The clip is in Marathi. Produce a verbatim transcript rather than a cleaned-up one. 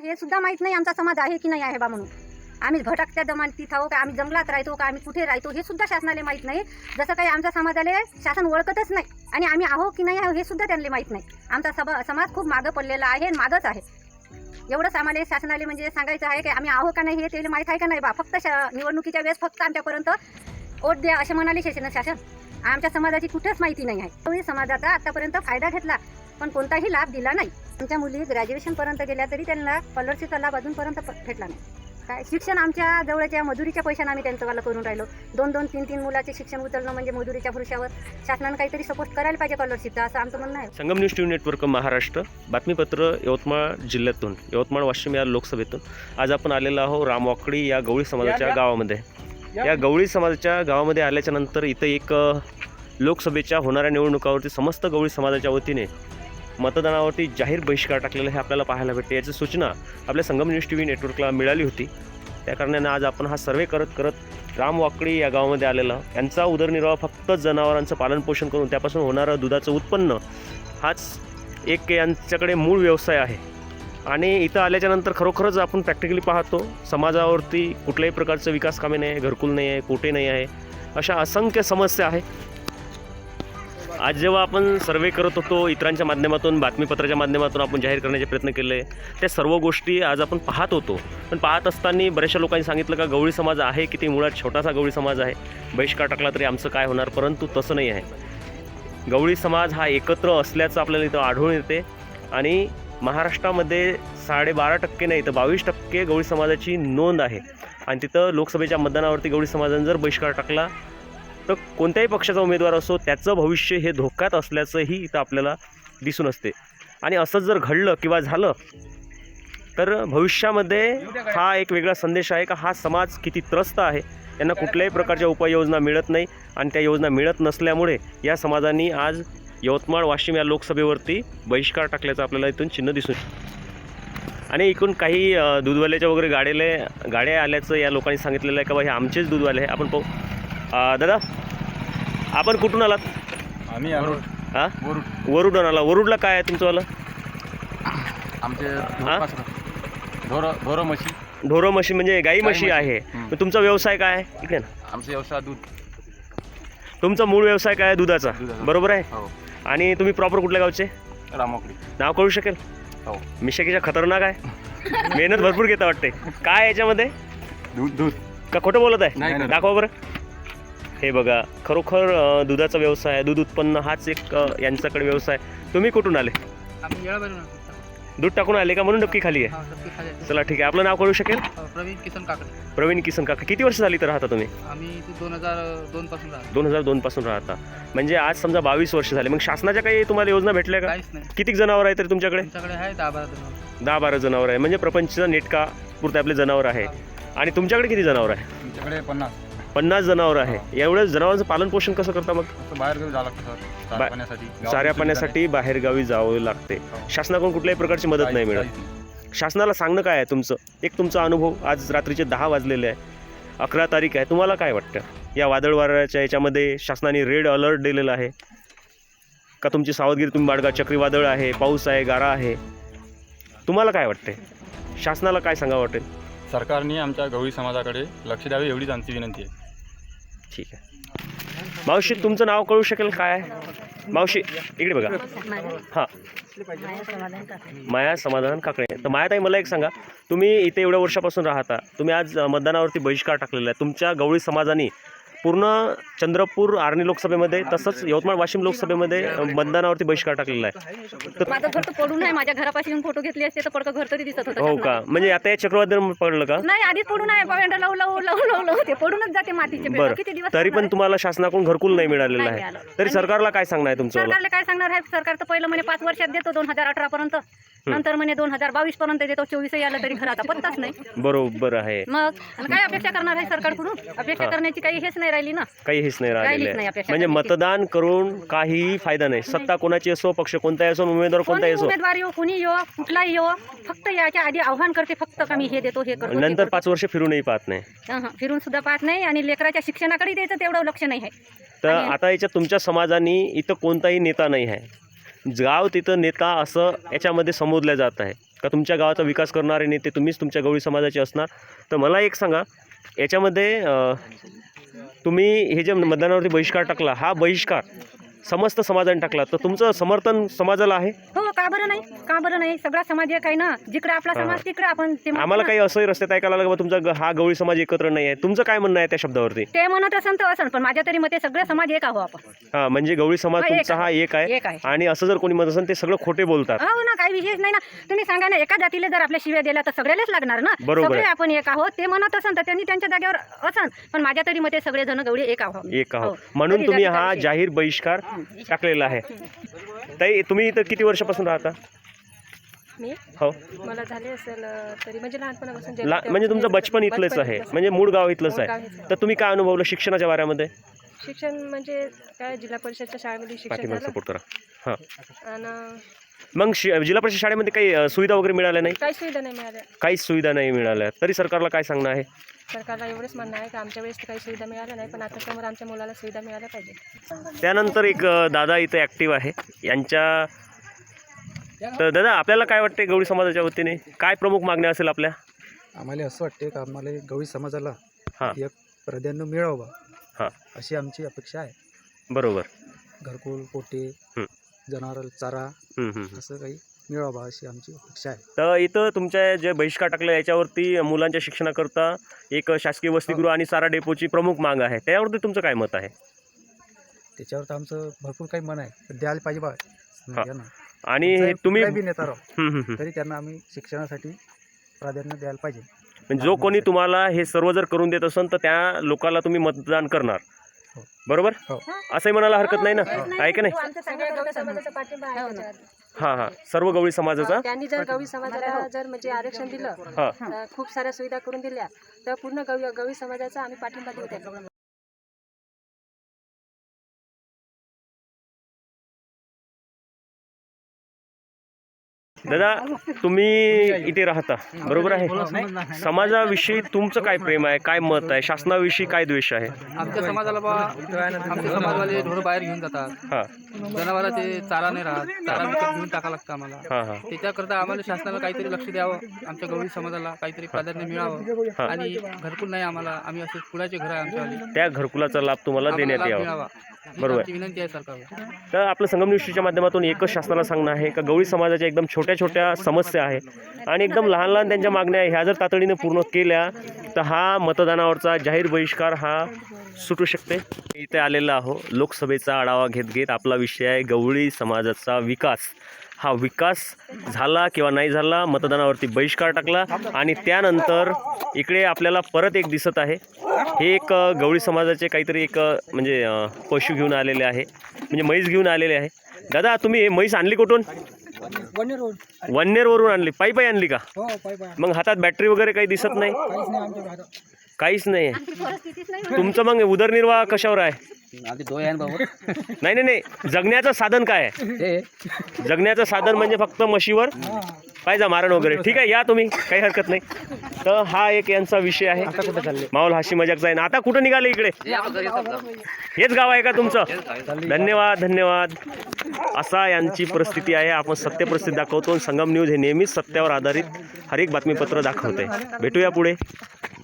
हे सुद्धा माहीत नाही आमचा समाज आहे की नाही आहे बा म्हणून. आम्ही भटकत्या जमातीत आहो का, आम्ही जंगलात राहतो का, आम्ही कुठे राहतो हे सुद्धा शासनाला माहीत नाही. जसं काही आमच्या समाजाला शासन ओळखतच नाही आणि आम्ही आहो की नाही आहो हे सुद्धा त्यांना माहीत नाही. आमचा सभा समाज खूप मागं पडलेला आहे आणि मागंच आहे. एवढंच आम्हाला शासनाला म्हणजे सांगायचं आहे की आम्ही आहो का नाही हे त्याला माहीत आहे का नाही बा. फक्त निवडणुकीच्या वेळेस फक्त आमच्यापर्यंत वोट द्या असे म्हणाले शासन शासन आमच्या समाजाची कुठेच माहिती नाही आहे. तोही समाजाचा आतापर्यंत फायदा घेतला पण कोणताही लाभ दिला नाही. आमच्या मुली ग्रॅज्युएशनपर्यंत गेल्या तरी त्यांना स्कॉलरशिपचा लाभ अजूनपर्यंत भेटला नाही. काय शिक्षण आमच्या जवळच्या मजुरीच्या पैशाने आम्ही त्यांचं वाला करून राहिलो. दोन दोन तीन तीन मुलाचे शिक्षण उचलणं म्हणजे मजुरीच्या भरोश्यावर शासनानं काहीतरी सपोर्ट करायला पाहिजे स्कॉलरशिपचा असं आमचं म्हणणं आहे. Sangam news TV network Maharashtra बातमीपत्र यवतमाळ जिल्ह्यातून यवतमाळ वाशिम या लोकसभेतून आज आपण आलेलो आहोत रामवाकडी या गवळी समाजाच्या गावामध्ये. या गवळी समाजाच्या गावामध्ये आल्याच्या नंतर इथं एक लोकसभेच्या होणाऱ्या निवडणुकावरती समस्त गवळी समाजाच्या वतीने मतदानावरती जाहीर बहिष्कार टाकलेला हे आपल्याला पाहायला भेटते. याची सूचना आपल्या संगम न्यूज टी व्ही नेटवर्कला मिळाली होती. त्या कारणाने आज आपण हा सर्वे करत करत रामवाकडी या गावामध्ये आलेला. यांचा उदरनिर्वाह फक्त जनावरांचं पालनपोषण करून त्यापासून होणारं दुधाचं उत्पन्न हाच एक यांच्याकडे मूळ व्यवसाय आहे. आणि इथं आल्याच्यानंतर खरोखरच आपण प्रॅक्टिकली पाहतो समाजावरती कुठल्याही प्रकारचं विकास कामे नाही आहे, घरकुल नाही आहे, कोटे नाही आहे, अशा असंख्य समस्या आहे. आज जेव्हा आपण सर्वे करत होतो इतरांच्या माध्यमातून बातमीपत्राच्या माध्यमातून आपण जाहीर करण्याचे प्रयत्न केले त्या सर्व गोष्टी आज आपण पाहत होतो. पण पाहत असताना बऱ्याचशा लोकांनी सांगितलं का गवळी समाज आहे की ते मुळात छोटासा गवळी समाज आहे, बहिष्कार टाकला तरी आमचं काय होणार. परंतु तसं नाही आहे. गवळी समाज हा एकत्र असल्याचं आपल्याला इथं आढळून येते. आणि महाराष्ट्रामध्ये साडेबारा टक्के नाही तर बावीस टक्के गवळी समाजाची नोंद आहे. आणि तिथं लोकसभेच्या मतदानावरती गवळी समाजाने जर बहिष्कार टाकला तर कोणत्याही पक्षाचा उमेदवार असो त्याचं भविष्य हे धोक्यात असल्याचंही इथं आपल्याला दिसून असते. आणि असं जर घडलं किंवा झालं तर भविष्यामध्ये हा एक वेगळा संदेश आहे का हा समाज किती त्रस्त आहे. यांना कुठल्याही प्रकारच्या उपाययोजना मिळत नाही आणि त्या योजना मिळत नसल्यामुळे या समाजाने आज यवतमाळ वाशिम या लोकसभेवरती बहिष्कार टाकल्याचं आपल्याला इथून चिन्ह दिसून. आणि इकडून काही दूधवाल्याच्या वगैरे गाड्याला गाड्या आल्याचं या लोकांनी सांगितलेलं आहे का बा हे आमचेच दूधवाले आहे. आपण पाहू. दादा आपण कुठून आलात? आम्ही हां वरुड आला. वरुडला काय आहे तुमचंवालं? आमचे ढोरं ढोरं म्हशी. ढोरं म्हशी म्हणजे गाई म्हशी आहे. तर तुमचा व्यवसाय काय आहे? इकडे ना. आमचा व्यवसाय दूध. तुमचा मूळ व्यवसाय काय आहे? दुधाचा. बरोबर आहे. हो. आणि तुम्ही प्रॉपर कुठल्या गावचे? रामवाकडी. नाव कळू शकेल? हो. मिशाकीच्या खतरनाक आहे. मेहनत भरपूर घेता वाटते. काय याच्यामध्ये? दूध दूध का खोटं बोलत आहे? दाखवा बरं. हे बघा खरोखर दुधाचा व्यवसाय आहे. दूध उत्पन्न हाच एक यांच्याकडे व्यवसाय. तुम्ही कुठून आले? दूध टाकून आले का म्हणून डबकी खाली आहे? चला ठीक आहे. आपलं नाव कळू शकेल? प्रवीण किसन काकडे. प्रवीण किसन काका. किती वर्ष झाली तर राहता तुम्ही? आम्ही दोन हजार दोन पासून राहतो. दोन हजार दोन पासून राहता म्हणजे आज समजा बावीस वर्ष झाले. मग शासनाच्या काही तुम्हाला योजना भेटल्या का? काहीच नाही. किती जनावर आहे तरी तुमच्याकडे? तुमच्याकडे आहे दहा बारा जनावर. दहा बारा जनावर आहे म्हणजे प्रपंचचा नेटका पुरते आपले जनावर आहे. आणि तुमच्याकडे किती जनावर आहे? तुमच्याकडे पन्नास पन्नास जनावर आहे. एवढ्या जनावरांचं पालन पोषण कसं करता मग? बाहेर जावं लागतं सर पाण्यासाठी. चाऱ्या पाण्यासाठी बाहेरगावी जावं लागते. शासनाकडून कुठल्याही प्रकारची मदत नाही मिळत. शासनाला सांगणं काय आहे तुमचं? एक तुमचा अनुभव. आज रात्रीचे दहा वाजलेले आहे, अकरा तारीख आहे. तुम्हाला काय वाटतं या वादळ वाऱ्याच्या याच्यामध्ये शासनाने रेड अलर्ट दिलेला आहे का तुमची सावधगिरी तुम्ही बाळगा? चक्रीवादळ आहे, पाऊस आहे, गारा आहे. तुम्हाला काय वाटते? शासनाला काय सांगावं वाटेल? सरकारने आमच्या गवळी समाजाकडे लक्ष द्यावे एवढीच आमची विनंती आहे. ठीक आहे. मावशी तुमचं नाव कळू शकेल काय? मावशी इकडे बघा. हां माया समाधान काकडे. तर मायाताई मला एक सांगा, तुम्ही इथे एवढ्या वर्षापासून राहता, तुम्ही आज मतदानावरती बहिष्कार टाकलेला आहे. तुमच्या गवळी समाजाने पूर्ण चंद्रपूर आर्णी लोकसभेमध्ये तसंच यवतमाळ वाशिम लोकसभेमध्ये मतदानावरती बहिष्कार टाकलेला आहे. तर माझं घर तर पडून आहे. माझ्या घरापाशी येऊन फोटो घेतले असते तर पडकं घर तरी दिसत होतं. हो का? म्हणजे आता हे चक्रवादळ पडलं का? नाही आधीच पडून आहे. पवेंड लावू लावू लावू लावू लावू ते पडूनच जाते मातीचे. बरं. किती दिवस तरी पण तुम्हाला शासनाकडून घरकुल नाही मिळालेलं नाही आहे. मिळालं. तरी सरकारला काय सांगणार आहे तुमचं? सरकारला काय सांगणार आहे? सरकार तर पहिलं म्हणे पाच वर्षात देतो दोन हजार अठरा पर्यंत, नंतर म्हणे दोन हजार बावीस पर्यंत देतो. चोवीस आलं तरी घराचा पत्ताच नाही. बरोबर आहे. मग काय अपेक्षा करणार आहे सरकारकडून? अपेक्षा करण्याची काही हेच नाही राहिली ना. काही हेच नाही राहिलेलं राहिलीच नाही आहे. अपेक्षा म्हणजे करायची. मतदान करून काहीही फायदा नाही. सत्ता कोणाची असो, पक्ष कोणताही असो, उमेदवार कोणताही कोणी असो, उमेदवार येऊ, कोणी येऊ, कुठलाही येऊ, फक्त याच्या आधी आव्हान करते फक्त का मी हे देतो हे करतो. नंतर पाच वर्ष फिरूनही पाहत नाही. हं, फिरून सुद्धा पाहत नाही आणि लेकराच्या शिक्षणाकडे द्यायचं तेवढं लक्ष नाही आहे. तर आता याच्यात तुमच्या समाजाने इथं कोणताही नेता नाही आहे. गाव तिथं नेता असं याच्यामध्ये संबोधलं जात आहे का तुमच्या गावाचा विकास करणारे नेते तुम्हीच तुमच्या गवळी समाजाचे असणार. तर मला एक सांगा, याच्यामध्ये अ, तुम्ही हे जे मतदानावरती बहिष्कार टाकला, हा बहिष्कार समस्त समाजाने टाकला, तर तुमचं समर्थन समाजाला आहे? हो, का बरं नाही, का बरं नाही, सगळा समाज एक आहे ना, जिकडे आपला हा. समाज तिकडे आपण ते म्हणतो आम्हाला ना. काही असंही रस्त्यात ऐकायला लागलं बा तुमचा ग- हा गवळी समाज एकत्र नाही आहे, तुमचं काय म्हणणं आहे त्या शब्दावरती? ते म्हणत असन तर असन, पण माझ्या तरी मते सगळे समाज एक आहो आपण. हां, म्हणजे गवळी समाज हा, एक तुमचा हा एक आहे, एक आहे. आणि असं जर कोणी म्हणत असेल ते सगळं खोटे बोलतात. हो ना, काही विशेष नाही ना. तुम्ही सांगा ना, एका जातीला जर आपल्या शिव्या दिल्या तर सगळ्यालाच लागणार ना. बरोबर सगळे आहे. आपण एक आहोत, ते म्हणत असन तर त्यांनी त्यांच्या जागेवर असन, पण माझ्या तरी मते सगळे जण गवळी एक आहोत. एक आहो हो. म्हणून तरी तुम्ही जातीचा हा विषय. जाहीर बहिष्कार टाकलेला आहे. ताई, तुम्ही इथं किती वर्षापासून राहता? मी हो, मला झाले असेल अ, तरी म्हणजे लहानपणापासून ला जन्म- म्हणजे तुमचं बचपन इथलंच बचपन आहे, इथलंच. म्हणजे मूळ गाव इथलंच मूळ गाव आहे. इथलंच. तर तुम्ही काय अनुभवलं शिक्षणाच्या बाऱ्यामध्ये? शिक्षण म्हणजे काय जिल्हा परिषदच्या शाळेमध्ये शिक्षण पाठीमागे झालं सपोर्ट करा. हां, आणि मग शि जिल्हा परिषद शाळेमध्ये काही अ, सुविधा वगैरे मिळाल्या नाही? काही सुविधा नाही मिळाल्या. काहीच सुविधा नाही मिळाल्या, तरी सरकारला काय सांगणं आहे? सरकारला एवढंच म्हणणं आहे की आमच्या वेळेस तर काही सुविधा मिळाल्या नाही, पण आता समोर आमच्या मुलाला सुविधा मिळाल्या पाहिजे. त्यानंतर एक अ, दादा इथे ॲक्टिव्ह आहे यांच्या. तर दादा, आपल्याला काय वाटते गवळी समाजाच्या वतीने काय प्रमुख मागण्या असेल आपल्या? आम्हाला असं वाटते की आम्हाला गवळी समाजाला हां. एक प्राधान्य मिळावं हां. अशी आमची अपेक्षा आहे. बरोबर. घरकुल, पोटे, हं. जनावर चारा हं, हं, हं. असं काही मिळावं अशी आमची अपेक्षा आहे. तर इथं तुमच्या जे बहिष्कार टाकलं याच्यावरती मुलांच्या शिक्षणाकरता एक शासकीय वसतिगृह आणि चारा डेपोची प्रमुख माग आहे, त्यावरती तुमचं काय मत आहे? त्याच्यावर तर आमचं भरपूर काही मन आहे, पण द्यायला पाहिजे बा हां. यांना. आणि हे आमचा तुम्ही कुठलाही बी नेता राहो, हं, हं, हं. तरी त्यांना आम्ही शिक्षणासाठी प्राधान्य द्यायला पाहिजे. म्हणजे जो कोणी तुम्हाला हे सर्व जर करून देत असेल तर त्या लोकांना तुम्ही मतदान करणार, हो. बरोबर? हो. असंही म्हणायला हरकत नाही ना, आहे का नाही? हो, आमच्या सगळ्या गवळी समाजाचा पाठिंबा आहे हो ना. त्याच्यावर. हां हां, सर्व गवळी समाजाचा. त्यांनी जर गवळी समाजाला जर म्हणजे आरक्षण दिलं, हां. अ, खूप साऱ्या सुविधा करून दिल्या, तर पूर्ण गवळी गवळी समाजाचा आम्ही पाठिंबा देऊ त्याला. दादा, तुम्ही इथे राहता, बरोबर आहे? समाजाविषयी तुमचं काय प्रेम आहे, काय मत आहे, शासनाविषयी काय द्वेष आहे? आमच्या समाजाला बा आमच्या समाजवाले ढोरं बाहेर घेऊन जातात, हां जनावराला ते चारा नाही राहत, चारा विकत घेऊन टाका लागतं आम्हाला. हां हां त्याच्याकरता आम्हाला शासनाला काहीतरी लक्ष द्यावं, आमच्या गवळी समाजाला काहीतरी प्राधान्य मिळावं. हां. आणि घरकुल नाही आम्हाला, आम्ही असे कुळाचे घर आहे आमच्यावाले, त्या घरकुलाचा लाभ तुम्हाला आम्हाला देण्यात लाभ यावा. मिळावा. बरोबर. आमची विनंती आहे सरकारला. तर आपलं संगम न्यूजच्या माध्यमातून एकच शासनाला सांगणं आहे का गवळी समाजाच्या एकदम छोट्या छोट्या समस्या आहे आणि एकदम लहान लहान त्यांच्या मागण्या आहे, ह्या जर तातडीने पूर्ण केल्या तर हा मतदानावरचा जाहीर बहिष्कार हा सुटू शकते. इथे आलेला आहो लोकसभेचा आढावा घेत घेत. आपला विषय आहे गवळी समाजाचा विकास. हा विकास झाला किंवा नाही झाला, मतदानावरती बहिष्कार टाकला आणि त्यानंतर इकडे आपल्याला परत एक दिसत आहे, हे एक अ, गवळी समाजाचे काहीतरी एक अ, म्हणजे अ, पशु घेऊन आलेले आहे, म्हणजे म्हैस घेऊन आलेले आहे. दादा, तुम्ही हे म्हैस आणली कुठून? वन्नेरवरून आणली? पायी पायी आणली का? मग हातात बॅटरी वगैरे काही दिसत नाही? काहीच नाही आहे. परिस्थितीच नाही. तुमचं मग उदरनिर्वाह कशावर आहे? नाही नाही नाही, जगण्याचं साधन काय आहे? जगण्याचं साधन म्हणजे फक्त म्हशीवर पाहिजे मारण वगैरे. ठीक आहे, या तुम्ही, काही हरकत नाही. तर हा एक यांचा विषय आहे. माहोल हाशी मजाकचा आहे ना. आता कुठं निघाले इकडे? हेच गाव आहे का तुमचं? धन्यवाद धन्यवाद. असा यांची परिस्थिती आहे. आपण सत्य परिस्थिती दाखवतो. संगम न्यूज हे नेहमीच सत्यावर आधारित हर एक बातमीपत्र दाखवते. भेटूया पुढे.